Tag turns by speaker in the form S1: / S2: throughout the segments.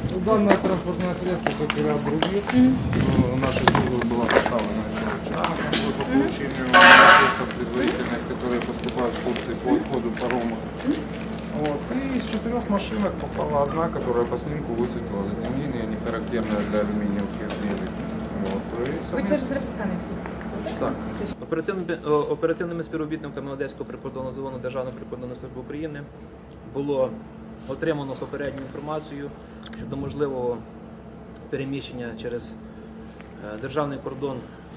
S1: Данное транспортное средство, как и ряд других, нашей службы была поставлена еще вчера на конвой по получению средств предварительных, которые поступают в Турции по отходу парома. Вот. И из 4 машинок попала одна, которая по снимку высветила затемнение, не характерное для алюминиевых изделий. Вот.
S2: Ви через Репскани?
S1: Так.
S3: Оперативними співробітниками Одеського прикордонного загону Державної прикордонної служби України було отримано попередню інформацію щодо можливого переміщення через державний кордон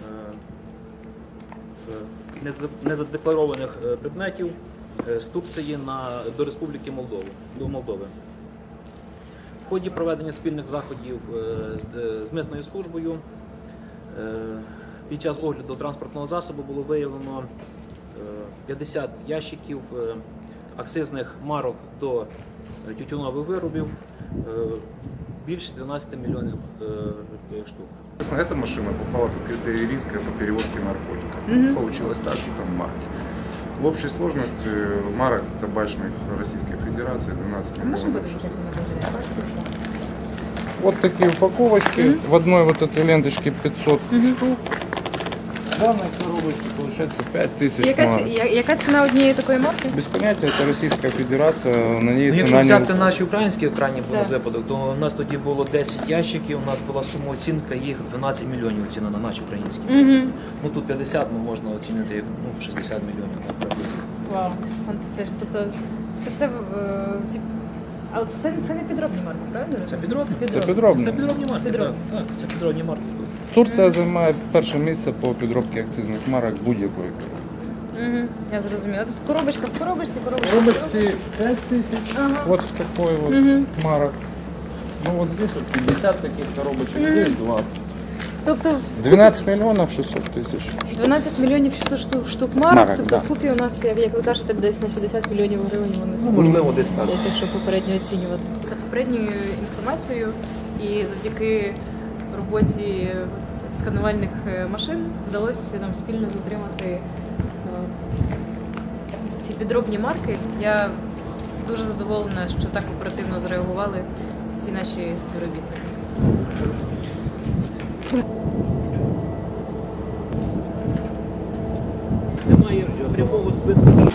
S3: незадекларованих предметів з Турції до Республіки Молдови. В ході проведення спільних заходів з митною службою під час огляду транспортного засобу було виявлено 50 ящиків акцизних марок до тютюнових виробів, більше 12 мільйонів штук.
S1: Эта машина попала под критерий риска по перевозке наркотиков. Получилось так, что там марки. В общей сложности марок табачных Российской Федерации 12 миллионов 600. Вот такие упаковочки. В одной вот этой ленточке 500 штук. В данной коробочке получается 5000 марок.
S2: Яка ціна однієї такої марки?
S1: Без понятия, это Российская Федерация, на ней
S3: Якщо
S1: цена
S3: взяти
S1: не...
S3: наші українські крайні були випадок, то у нас тоді було 10 ящиків, у нас була сума оцінка, їх 12 мільйонів ціна на наші українські. Ну тут 50, можна оцінити як 60 мільйонів приблизно.
S2: Вау, фантастично. Тобто це все але це не підробні марки, правильно?
S3: Це підробні?
S1: Це підробні.
S3: Це підробні марки,
S2: Підробні.
S3: так, це підробні марки.
S1: Турція займає перше місце по підробці акцизних марок будь-якої.
S2: Я зрозуміла. Тут коробочка в коробочці, коробочка.
S1: Коробочки 5000, вот в такой вот марок. Ну вот здесь вот 50 таких коробочек, здесь 20.
S2: Тобто
S1: 12 миллионов 600 тысяч.
S2: 12 мільйонів 600 штук марок,
S1: Марок,
S2: тобто
S1: да.
S2: вкупі у нас, як ви кажете, десь на 60 мільйонів гривень вони
S3: Можливо, десь так.
S2: десь, якщо попередньо оцінювати. За попередньою інформацією і завдяки роботі сканувальних машин вдалося нам спільно затримати ці підробні марки. Я дуже задоволена, що так оперативно зреагували всі наші співробітники.
S3: Немає прямого збитку.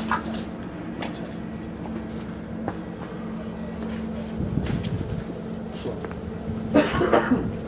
S3: Що?